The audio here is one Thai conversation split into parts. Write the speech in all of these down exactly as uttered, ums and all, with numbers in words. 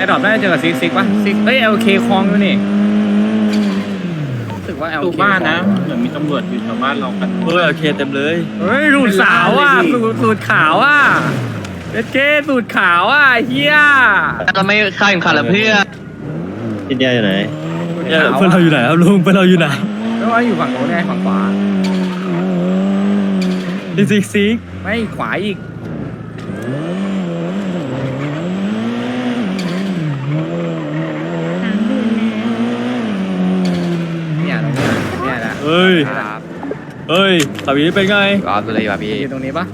ดรอปน่าจะเจอกับซิกซิกป่ะซิกเอ้ยเอลเคคลองอยู่นี่รู้สึกว่าเอลเคบ้านนะเหมือนมีตำรวจอยู่แถวบ้านเรากันเออเอลเคเต็มเลยเฮ้ยสูตรสาวอ่ะสูตรขาวอ่ะเอลเคสูตรขาวอ่ะเฮียเราไม่ข้ามขันละเพื่อนอินเดียอยู่ไหนเพื่อนเราอยู่ไหนครับลุงเพื่อนเราอยู่ไหนก็ว่าอยู่ฝั่งโน้นไงฝั่งขวาซิกซิกไม่ขวาอีกเนี่ยตรงนี้เนี่ยนะเฮ้ยเฮ้ยขับนี้เป็นไงรอตัวเลยว่ะพี่อยู่ตรงนี้ปะ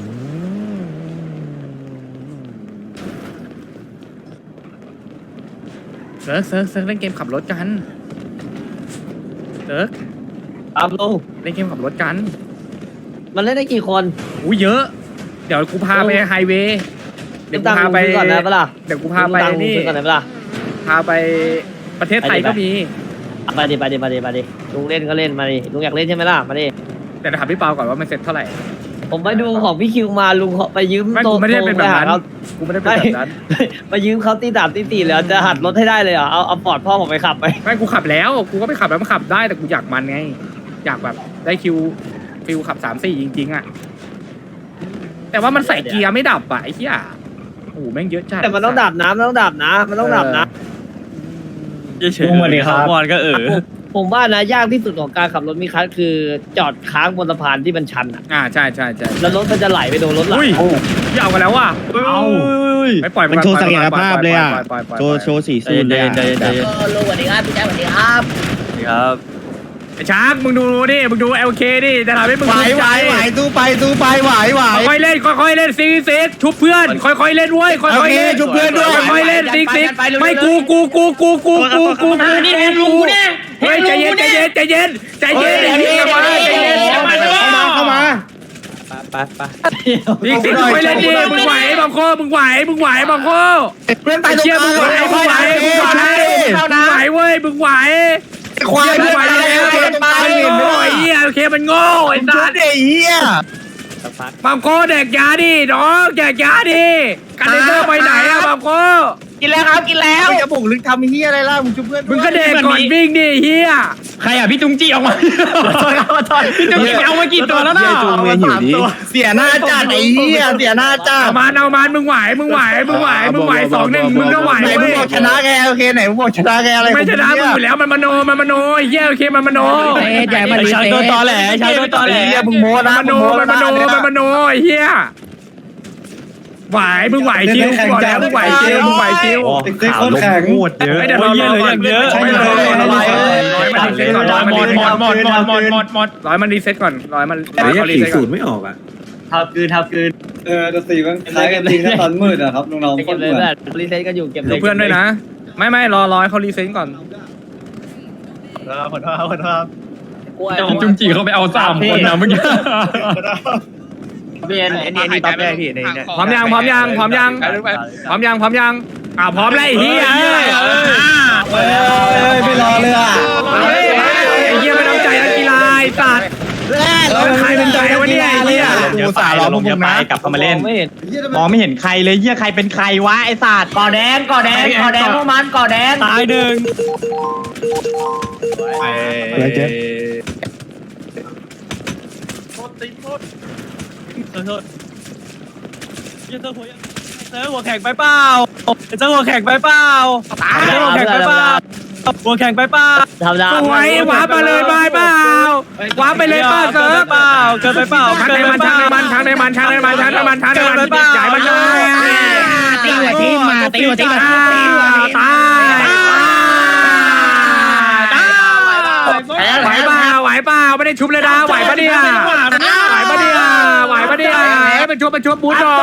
เซิร์ฟเซิร์ฟเซิร์ฟเล่นเกมขับรถกันเซิร์ฟตามลงเล่นเกมขับรถกันมันเล่นได้กี่คนอู้เยอะ เดี๋ยวกูพาไปไฮเวย์เดี๋ยวกูพาไปก่อนนะเปล่าเดี๋ยวกูพาไปนี่ก่อนนะเปล่าพาไปประเทศไทยก็มีไปดิไปดิไปดิไปดิลุงเล่นก็เล่นมาดิลุงอยากเล่นใช่ไหมล่ะมาดิแต่ถามพี่เปาก่อนว่ามันเซ็ตเท่าไหร่ผมไปดูของพี่คิวมาลุงไปยืมไม่กูไม่ได้เป็นแบบนั้นเขากูไม่ได้เป็นแบบนั้นไปยืมเขาตีดาบตีตีแล้วจะหัดรถให้ได้เลยเหรอเอาเอาปอดพ่อผมไปขับไปไม่กูขับแล้วกูก็ไปขับแล้วมันขับได้แต่กูอยากมันไงอยากแบบได้คิวฟิลขับสามสี่จริงๆอ่ะแต่ว่ามันใส่เกียร์ไม่ดับอ่ะไอ้เหี้ยโอ้โหแม่งเยอะจัดแต่มันต้องดับน้ำมันต้องดับนะ มันต้องดับนะเฉยๆเลยครับบอลก็เออผมผมว่านะยากที่สุดของการขับรถมีคัสคือจอดค้างบนสะพานที่มันชันอ่ะอ่าใช่ใช่ใช่แล้วรถมันจะไหลไปโดนรถหลังอุ้ยอย่าเอากันแล้วว่ะเอาไปปล่อยมันโชว์ศักยภาพเลยอ่ะปล่อยปล่อยปล่อยปล่อยโชว์โชว์สีสูนเลยอะลุงสวัสดีครับพี่แจ๊คสวัสดีครับครับไอ้ช้างมึงดูดิมึงดูเอลเคดิจะทำให้มึงไหวภูมิไหวใจไหวตู้ไปตู้ไปไหวไหวค่อยๆเล่นค่อยๆเล่นซิกซิกชุบเพื่อนค่อยๆเล่นเว้ยค่อยๆเล่นโอเคชุบเพื่อนด้วยค่อยๆเล่นซิกซิกไม่กูกูกูกูกูกูกูกูนี่เห็นลุงกูเนี่ยเฮ้ยใจเย็นใจเย็นใจเย็นใจเย็นใจเย็นใจเย็นเข้ามาเข้ามาไปไปซิกซิกค่อยๆเล่นดิมึงไหวบังโคมึงไหวมึงไหวบังโคเพื่อนไปตรงเชี่ยกมึลางงไหวมึงไหวมึงไหวมึงไหวเว้ยมึงไหวควายมึเพื่งอนไหวไปแล้วเพื่อนไปมันโง่ไอ้เหี้ยโอเคมันโง่ไอ้ชุสัดสเด็กเฮียบังโคแดกยาดิน้องแดกยาดิกันเดเซอร์ไปไหนอะบังโคกินแล้วครับกินแล้วจะบุกลึกทำเฮียอะไรล่ะมึงชุบเพื่อนมึงก็เด็กก่อนวิ่งดิเฮียใครอ่ะพี่จุงจี้ออกมาพี่จุงจี้เอามากี่ตัวแล้วเนาะจูงเมียหิวดิเสียหน้าจัดไอ้เฮียเสียหน้าจัดเอามันเอามันมึงไหวมึงไหวมึงไหวมึงไหวสองหนึ่งมึงก็ไหวไหนมึเว้งยบอกชนะแกโอเคไหนมึงบอกชนะแกอะไรไม่ชนะมึงอยู่แล้วมันมโนมันมโนไอ้เฮียโอเคมันมโนใหญ่มันชาวโดนตอแหลชาวโดนตอแหลเฮียมึงโม้นะมันมโนมันมโนมันมโนไอ้เฮียไหวมึงไหวคิวบอกแล้วมึงไหวคิวมึงไหวคิวเด็กคนแข็งหมดเยอะไม่เดี๋ยวเราเยอะเลยเยอะไม่เลยร้อยมันรีเซ็ตก่อนร้อยมันหมรีดเซ็ตหมก่อนดหมดหมดหมดหมดหมดร้อยมันรีเซ็ตก่อนร้อยมันแต่ร้อยยังเขารีสี่เซ็ตก่ศูอนนย์ไม่ออกอ่ะทับคืนทับคืนเออแต่สีมันคล้ายกันจริงนะตอนมืดอะครับน้องๆเก็บเลยแบบรีเซ็ตกันอยู่เก็บเลดูยเพื่อนด้วยนะ ไม่ไม่รอร้อยเขารีเซ็ตก่อนจุงจี้เขาไปเอาสามคนนะเมื่อกี้เบียนอันนี้อันนี้ปั๊บแรกพี่ในพร้อมยังพร้อมยังพร้อมยังพร้อมยังพร้อมยังอ่าพร้อมแล้วไอ้เหี้ยเอ้ยไม่รอเลยอ่ะเฮ้ยไอ้เหี้ยไม่ต้องใจนักกีฬาไอ้สัตว์แล้วใครเป็นใจวะเนี่ยไอ้เหี้ยกูสาวเราพวกมึงนะกลับเข้ามาเล่นไม่เห็นมองไม่เห็นใครเลยเยี่ยใครเป็นใครวะไอ้ศาสตร์ก่อแดงก่อแดงก่อแดงพวกมันก่อแดงตายหนึ่งอะไรเจ๊เจอหัวแข่งไปเปล่าเจอหัวแข่งไปเปล่าเจอหัวแข่งไปเปล่าหัวแข่งไปเปล่าทำได้สวยว้ามาเลยบายเปล่าว้าไปเลยเปล่าเซิร์ฟเปล่าเกินไปเปล่าทางในมันทางในมันทางในมันทางในมันทางในมันทางในมันใหญ่มันเลยตีหัวทีมาตีหัวทีมาตายไหวเปล่าไหวเปล่าไม่ได้ชุบเลยนะไหวปะเนี่ยไหวปะเนี่ยไหวปะเนี่ยให้มันชุบมันชุบบูทหน่อย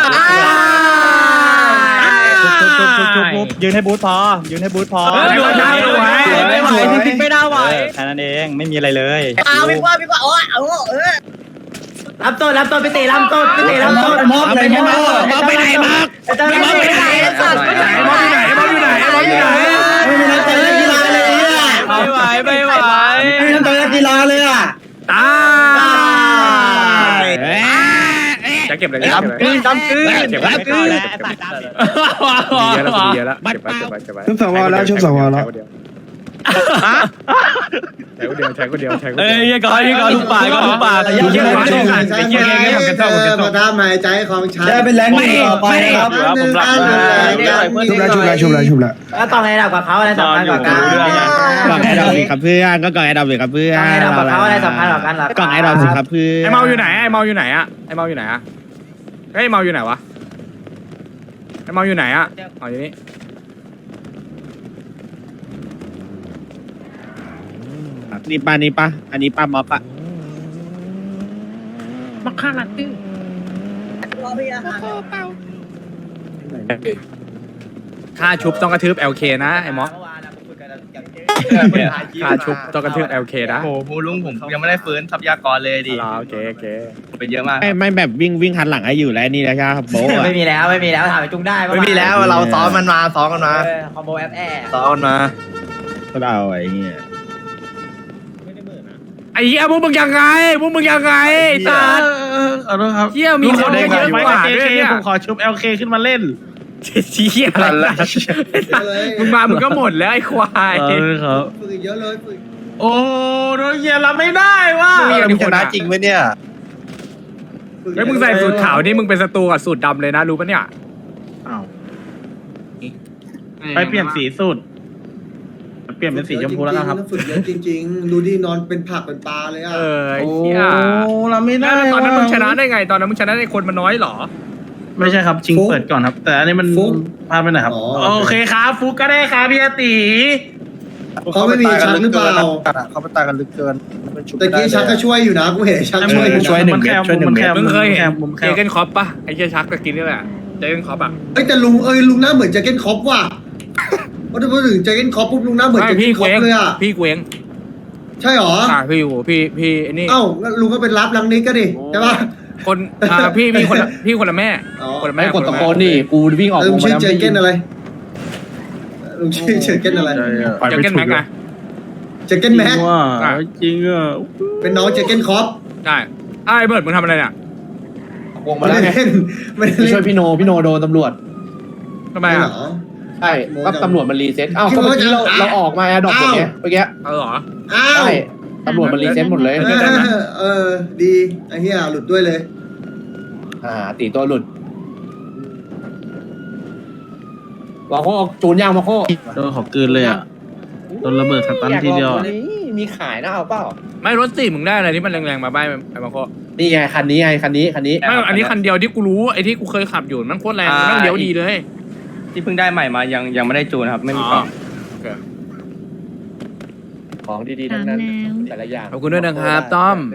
ยืนให้บูธพอยืนให้บูธพอไม่ไหวไม่ไหวจริงๆไม่น่าไหวแค่นั้นเองไม่มีอะไรเลยเอาพี่ว่าพี่ว่าโอ้ยเอาเออรับต้นรับต้นไปตีรับต้นไปตีรับต้นมอบเลยมอบมอบไปไหนมอบจะมอบไปไหนสัตว์ไปไหนมอบอยู่ไหนมอบอยู่ไหนมอบอยู่ไหนไม่มีนักเตะนักกีฬาเลยอ่ะไม่ไหวไม่ไหวไม่มีนักเตะนักกีฬาเลยอ่ะตายใจเก็บเลยดำปืนดำปืนเก็บไว้ดำปืนเก็บไว้เยอะแล้วเยอะแล้วเก็บไว้เก็บไว้เก็บไว้ชุบสวแล้วชุบสวแล้วใช้คนเดียวใช้คนเดียวใช้คนเอ้เดียวยก่อนนี่ก่อนลูกป่าก่อนลูกป่าไอ้เหี้ยมาทำหายใจของฉันได้เป็นแรงหนึ่งต่อไปนะครับหนึ่งอันหนึ่งชุบแล้วชุบแล้วชุบแล้วชุบแล้วแล้วกล่องไอ้ดอกกับเขาอะไรสำคัญกว่ากันกล่องไอ้ดอกสิครับเพื่อนก็กล่องไอ้ดอกสิครับเพื่อกล่องไอ้ดอกกับเขาอะไรสำคัญกว่ากันหรอกล่องไอ้ดอกสิครับเพื่อนไอเมาอยู่ไหนไอเมาอยู่ไหนอะไอเมาอยู่ไหนอะเฮ้ยเมาอยู่ไหนวะไอเมาอยู่ไหนอะอ๋ออยู่นี่นี่ป้านี่ป้าอันนี้ป้าม็อบปะมาฆ่าลัดตื้อค่าชุบต้องกระทืบ แอล เค นะไอมอสค่าชุบต้องกระทืบ แอล เค นะโอ้โหลุงผมยังไม่ได้ฟื้นทรัพยากรเลยดิอ๋อโอเคโอเคเป็นเยอะมากไม่ไม่แบบวิ่งวิ่งหันหลังให้อยู่แล้วนี่นะครับโบ๊ะไม่มีแล้วไม่มีแล้วถามไปจุงได้ไม่มีแล้วเราซ้อมมันมาซ้อมกันมาคอมโบแอปแอร์ซ้อมมาก็เอาไอ้เงี้ยไอ้เหี้ยพวกมึงยังไงพวกมึงยังไงตาขอโทษครับเหี้ยมีคนเยอะกว่าด้วยเนี่ยผมขอชุบ แอล เค ขึ้นมาเล่นเหี้ยอะไรมึงมามึงก็หมดแล้วไอ้ควายครับฝึกเยอะเลยฝึกโอ้โดนเยียรับไม่ได้ว่ะมึงชนะจริงไหมเนี่ยแล้วมึงใส่สูตรขาวนี่มึงเป็นศัตรูกับสูตรดำเลยนะรู้ปะเนี่ยไปเปลี่ยนสีสูตรเปลี่ยนเป็นสีชมพูแล้วนะครับฝึกเยอะจริงๆดูดินอนเป็นผักเป็นปลาเลยอ่ะเออไอ้เหี้ยเราไม่ได้แล้วตอนนั้นมึงชนะได้ไง ตอนนั้นมึงชนะได้คนมันน้อยเหรอไม่ใช่ครับชิงเปิดก่อนครับ แต่อันนี้มันพลาดไปหน่อยครับโอเคครับฟุกก็ได้ครับพี่อาตีเขาไม่มีชักหรือเปล่าเขาไปตายกันลึกเกินตะกี้ชักก็ช่วยอยู่นะกูเห็นชักช่วยอยู่ช่วยหนึ่งเม็ดช่วยหนึ่งเม็ดมึงเคยเห็นผมแคเจบเกนคอปปะไอ้เหี้ยชักตะกินนี่แหละเจเกนคอปอะเอ้ยแต่ลุงเอ้ยลุงหน้าเหมือนแจ็คเก็ตคอปว่ะพอพูดถึงแจ็คเก็ตคอปปุ๊บลุงหน้าเหมือนไม่แจ็คเก็พี่ตคเกอวปงเลยอ่ะพี่เกวงใช่หรออ่าพี่อยู่พี่พี่ไอ้นี่เอ้าลุงก็เป็นรับลังนี้ก็ดิใช่ปะคนอ่าพี่พี่คนละพี่คนละแม่อ๋อคนละแม่ไม่กดตะโกนดิกูวิ่งออกลุงวงชื่อมาแจ็คเก็ตอะไรลุงชื่อแจ็คเก็ตอะไรเจเกนแม็กนะแจ็คเก็ตแม็กอ่ะจริงอ่ะเป็นน้องแจ็คเก็ตคอปใช่ไอ้เบิร์ดมึงทำอะไรเนี่ยวงมาไม่แล้วได้ไงเล่นไม่ได้ไปเล่นช่วยพี่โนพี่โนโดนตำรวจทำไมเหรอ่ะอใช่ก็ตำรวจมันรีเซ็ตอ้าวก็เมื่อกี้เราเราออกมาดอกหมดไงเมื่อกี้เออเหรออ้าวใช่ตำรวจมันรีเซ็ตหมดเลยเออเออดีไอ้เหี้ยหลุดด้วยเลยอ่าตีตัวหลุดมาโคจูนยางมาโคโดนขอบกืนเลยอ่ะโดนระเบิดสตันทีเดียวมีขายนะเอาเปล่าไม่รถสี่มึงได้อะไรที่มันแรงๆมาบ้างไอ้มาโคนี่ไงคันนี้ไงคันนี้คันนี้ไม่อันนี้คันเดียวที่กูรู้ไอ้ที่กูเคยขับอยู่มันโคตรแรงมันต้องเลี้ยวดีเลยที่เพิ่งได้ใหม่มายังยังไม่ได้จูนครับ ไม่มีกล่องของดีๆทั้งนั้นแต่ละอย่างขอบคุณด้วยนะครับต้อม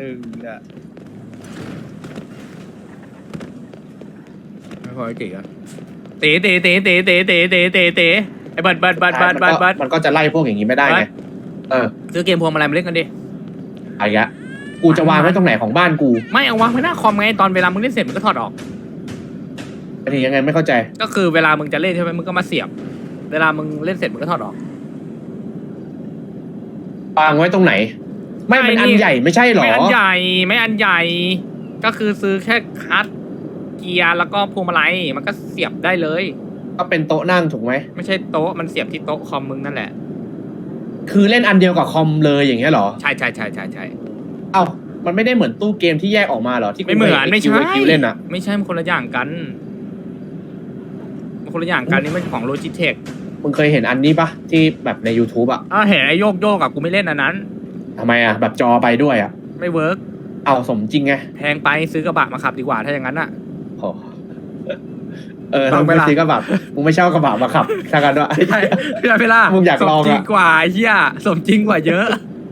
ไม่พอไอ้เก๋อะเต๋เต๋เต๋เต๋เต๋เต๋เต๋เต๋เต๋ไอ้บัดบัดบัดบัดบัดบัดมันก็จะไล่พวกอย่างนี้ไม่ได้ไงเออซื้อเกมพวงมาลัยมาเล่นกันดิไอ้ยะกูจะวางไว้ตรงไหนของบ้านกูไม่เอาวางไว้หน้าคอมไงตอนเวลามึงเล่นเสร็จมึงก็ถอดออกอันนี้ยังไงไม่เข้าใจก็คือเวลามึงจะเล่นใช่ไหมมึงก็มาเสียบ เวลามึงเล่นเสร็จมึงก็ถอดออกวางไว้ตรงไหน ไม่เป็นอันใหญ่ไม่ใช่หรอไม่อันใหญ่ไม่อันใหญ่ ก็คือซื้อแค่คัทเกียร์แล้วก็พวงมาลัยมันก็เสียบได้เลยก็เป็นโต๊ะนั่งถูกไหมไม่ใช่โต๊ะมันเสียบที่โต๊ะคอมมึงนั่นแหละคือเล่นอันเดียวกับคอมเลยอย่างเงี้ยหรอใช่ใช่ใช่ใช่ใช่เอ้ามันไม่ได้เหมือนตู้เกมที่แยกออกมาหรอที่ไม่เหมือนไม่ใช่คิวเล่นอะไม่ใช่มันคนละอย่างกันมันคนละอย่างกันนี่มันของโลจิเทคมึงเคยเห็นอันนี้ปะที่แบบใน YouTube อะอ่าเห็นไอ้โยกโยกอะกูไม่เล่นอันนั้นทำไมอะแบบจอไปด้วยอะไม่เวิร์กเอาสมจริงไงแพงไปซื้อกระบะมาขับดีกว่าถ้าอย่างนั้นอะโอ้เออถ้ามึงไม่ซื้อกระบะมึงไม่เช่ากระบะมาขับถ้ากันด้วยไม่ใช่พี่ลาเวลามึงอยากลองอะสมจริงกว่าเฮียสมจริงกว่าเยอะ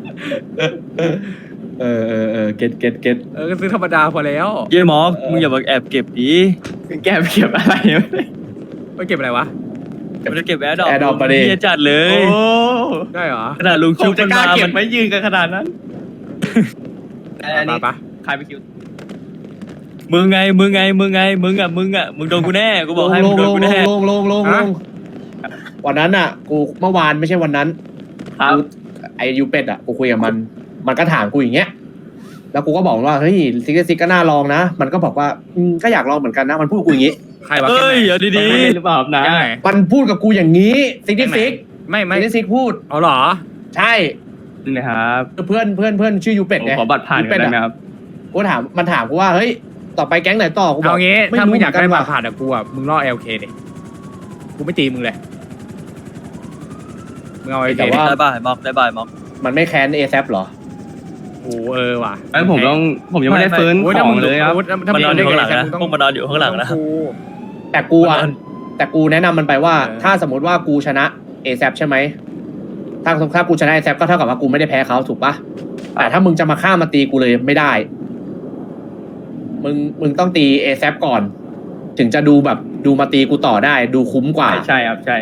เออเออเออเก็ตเก็ตเก็ตเออก็ซื้อธรรมดาพอแล้วเย้หมอมึงอย่ามาแอบเก็บดิแกเก็บอะไรไปเก็บอะไรวะมันจะเก็บแอร์ดอกแอร์ดอกประเดี๋เฮียจัดเลยได้เหรอขนาดลุงชุบมันมามันไม่ยืนกันขนาดนั้นอันนี้ปะใครไปคิวมึงไงมึงไงมึงไงมึงอ่ะมึงอ่ะมึงโดนกูแน่กูบอกให้ลมึงงโดลนงกูลแน่งลงลงลงลงวันนั้นอะกูเมื่อวานไม่ใช่วันนั้นครับไอยูเป็ดอะกูคุยกับมัน มันก็ถามกูอย่างเงี้ย แแล้วกูก็บอกว่าเฮ้ยซิกซิกก็น่าลองนะมันก็บอกว่าอืมก็อยากลองเหมือนกันนะมันพูดกับกูอย่างนี้ใครวะเฮ้ยแก๊งไหนเดี๋ยวดีๆหรือเปล่านะแก๊งไหนมันพูดกับกูอย่างนี้ซิกซิกไม่ไม่ซิกซิกพูดเอาเหรอใช่นี่นะครับเพื่อนเพื่อนเพื่อนชื่อยูเป็ดผมไงขอบัตรผ่านยูกัเป็นดได้ไหมอะครับกูถามมันถามกูว่าเฮ้ยต่อไปแก๊งไหนต่อกูบอกเอางี้ถ้ามึงอยากได้รู้เหบันตรผ่านอะกูอะมึงล่อ แอล เค ดิกูไม่ตีมึงเลยมึงเอาแต่เอว่าได้บ่ายม็อกได้บ่ายม็อกมันไม่แค้นเอแซหรอโอ้เออว่ะไอ้ผมต้องผมยังไม่ได้ฟื้นโอ้ยขถ้าอมึงงเลยครับถ้ามันมึงนอนอยู่เล่ข้างหลังกับนะมึพวกมันนอนอยู่ข้างหลังนะกูแต่กูอะแต่กูแนะนำมันไปว่าเออถ้าสมมติว่ากูชนะเอแซใช่ไหมถ้าถ้ากูชนะเอแซก็เท่ากับว่ากูไม่ได้แพ้เขาถูกปะแต่ถ้ามึงจะมาฆ่ามาตีกูเลยไม่ได้ มึงมึงต้องตีเอแซก่อน ถึงจะดูแบบดูมาตีกูต่อได้ ดูคุ้มกว่าใช่ใช่ครับใช่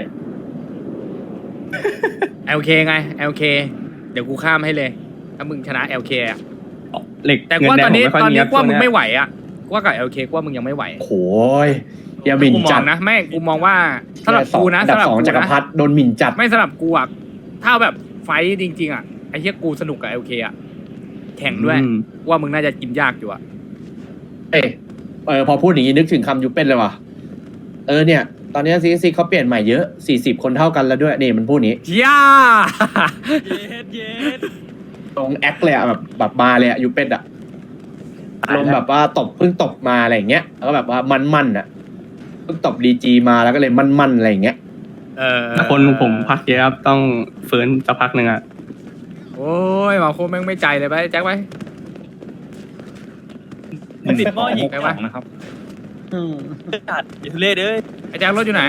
แอล เค ไง แอล เค เดี๋ยวกูข้ามให้เลย ถ้ามึงชนะ แอล เค อะเหล็กแต่กูเงิว่าแดตอง นนี้ผมไม่ค่อยตอนมีนี้ครับกูว่ามึงช่วไม่เนี้ยไหวอะกูว่ากับ แอล เค กูว่ามึงยังไม่ไหวโอ้ยอย่าหมิ่นกูมจัอดงนะแม่งกูมองว่าสำหรับกูนะอันดับสำหรับสองกูจักรนะพรรดิโดนหมิ่นจัดไม่สำหรับกูอะถ้าแบบไฟท์จริงๆอะไอ้เหี้ยกูสนุกกับ แอล เค อะแข่งด้วยอืมว่ามึงน่าจะกินยากอยู่อะเอยเออพอพูดอย่างนี้นึกถึงคำยูเป็นเลยว่ะเออเนี่ย ตอนนี้ซีซีเขาเปลี่ยนใหม่เยอะสี่สิบคนเท่ากันแล้วด้วยนี่มันพูดนี้ย่าตรงแอคเลยอะแบบแบบมาเลยอะยูเป็นอะลงแบบว่าตบเพิ่งตบมาอะไรอย่างเงี้ยแล้วก็แบบว่ามันมันๆอะเพิ่งตบดีจีมาแล้วก็เลยมันมันๆอะไรอย่างเงี้ยเออถ้าคนผมพักเยอะครับต้องฟื้นสักพักหนึ่งอะโอ้ยมาโคแม่งไม่ใจเลยไปแจ็คไปมันติดหม้ออีกไปไปนะครับจัดอิทุเล่เด้ยไอ้แจ็ครถอยู่ไหน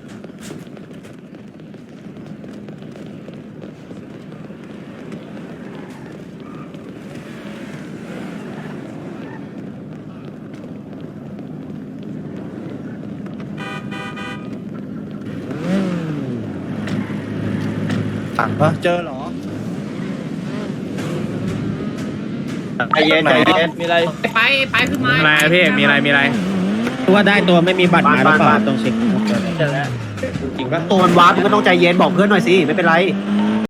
สั่งปะเจอเหรอใจเย็นใจเย็นมีอะไรไปไปขึ้นมาอะไรอะพี่มีอะไรมีอะไรว่าได้ตัวไม่มีบัตรมาหรือเปล่าต้องเช็คจริงปะตัวมันวาร์ปมันก็ต้องใจเย็นบอกเพื่อนหน่อยสิไม่เป็นไร